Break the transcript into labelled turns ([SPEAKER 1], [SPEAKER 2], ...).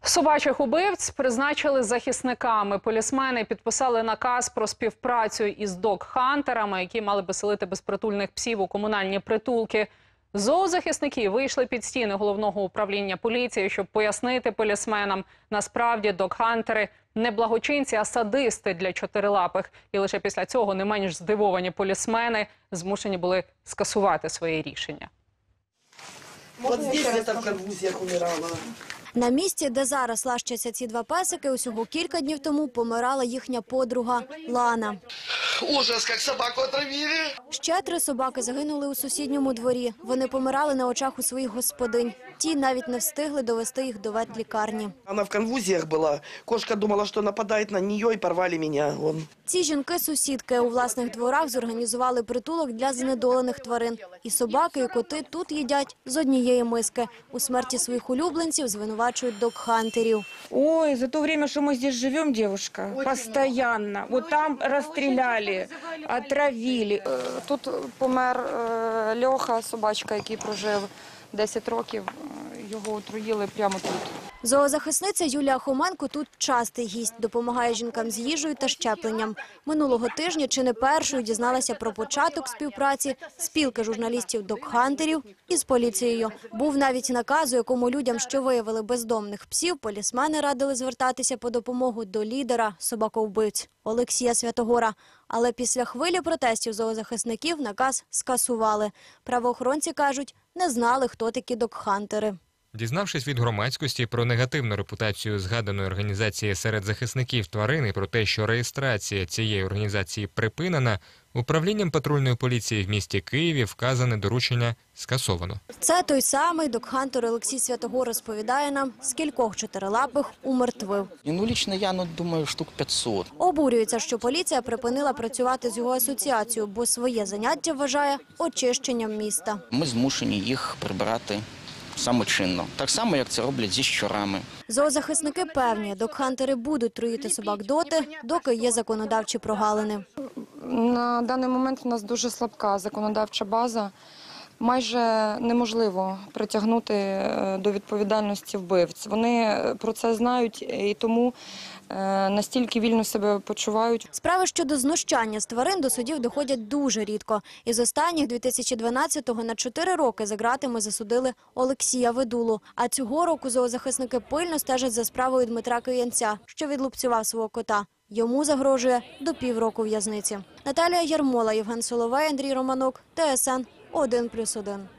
[SPEAKER 1] Собачих убивць призначили захисниками. Полісмени підписали наказ про співпрацю із дог-хантерами, які мали би селити безпритульних псів у комунальні притулки. Зоозахисники вийшли під стіни головного управління поліції, щоб пояснити полісменам, насправді дог-хантери не благочинці, а садисти для чотирилапих. І лише після цього не менш здивовані полісмени змушені були скасувати своє рішення.
[SPEAKER 2] От здесь я в конвульсіях умирала.
[SPEAKER 3] На місці, де зараз лащаться ці два песики, усього кілька днів тому помирала їхня подруга Лана.
[SPEAKER 2] Ужас, як собаку отравили.
[SPEAKER 3] Ще 3 собаки загинули у сусідньому дворі. Вони помирали на очах у своїх господинь. Ті навіть не встигли довести їх до ветлікарні.
[SPEAKER 2] Вона в конвульсіях була. Кошка думала, що нападає на неї і порвали мене.
[SPEAKER 3] Ці жінки-сусідки у власних дворах зорганізували притулок для знедолених тварин. І собаки, і коти тут їдять з однієї миски. У смерті своїх улюбленців звинувачують дог-хантерів.
[SPEAKER 4] Ой, за то время, что мы здесь живем, девушка, постоянно. Вот там расстреляли, отравили.
[SPEAKER 5] Тут помер Льоха, собачка, який прожив 10 років. Його отруїли прямо тут.
[SPEAKER 3] Зоозахисниця Юлія Хоменко тут частий гість, допомагає жінкам з їжею та щепленням. Минулого тижня чи не першою дізналася про початок співпраці спілки журналістів дог-хантерів із поліцією. Був навіть наказ, у якому людям, що виявили бездомних псів, полісмени радили звертатися по допомогу до лідера собаковбивць Олексія Святогора. Але після хвилі протестів зоозахисників наказ скасували. Правоохоронці кажуть, не знали, хто такі дог-хантери.
[SPEAKER 6] Дізнавшись від громадськості про негативну репутацію згаданої організації серед захисників тварин і про те, що реєстрація цієї організації припинена, управлінням патрульної поліції в місті Києві вказане доручення скасовано.
[SPEAKER 3] Це той самий дог-хантер Олексій Святогор розповідає нам, скількох чотирилапих умертвив.
[SPEAKER 7] Лично я думаю, штук 500.
[SPEAKER 3] Обурюється, що поліція припинила працювати з його асоціацією, бо своє заняття вважає очищенням міста.
[SPEAKER 7] Ми змушені їх прибирати самочинно. Так само, як це роблять зі щурами.
[SPEAKER 3] Зоозахисники певні, дог-хантери будуть труїти собак доти, доки є законодавчі прогалини.
[SPEAKER 5] На даний момент у нас дуже слабка законодавча база. Майже неможливо притягнути до відповідальності вбивць. Вони про це знають і тому настільки вільно себе почувають.
[SPEAKER 3] Справи щодо знущання з тварин до судів доходять дуже рідко. Із останніх 2012-го на 4 роки за ґратами засудили Олексія Ведулу. А цього року зоозахисники пильно стежать за справою Дмитра Киянця, що відлупцював свого кота. Йому загрожує до півроку в'язниці. Наталія Ярмола, Євген Соловей, Андрій Романок, ТСН 1+1.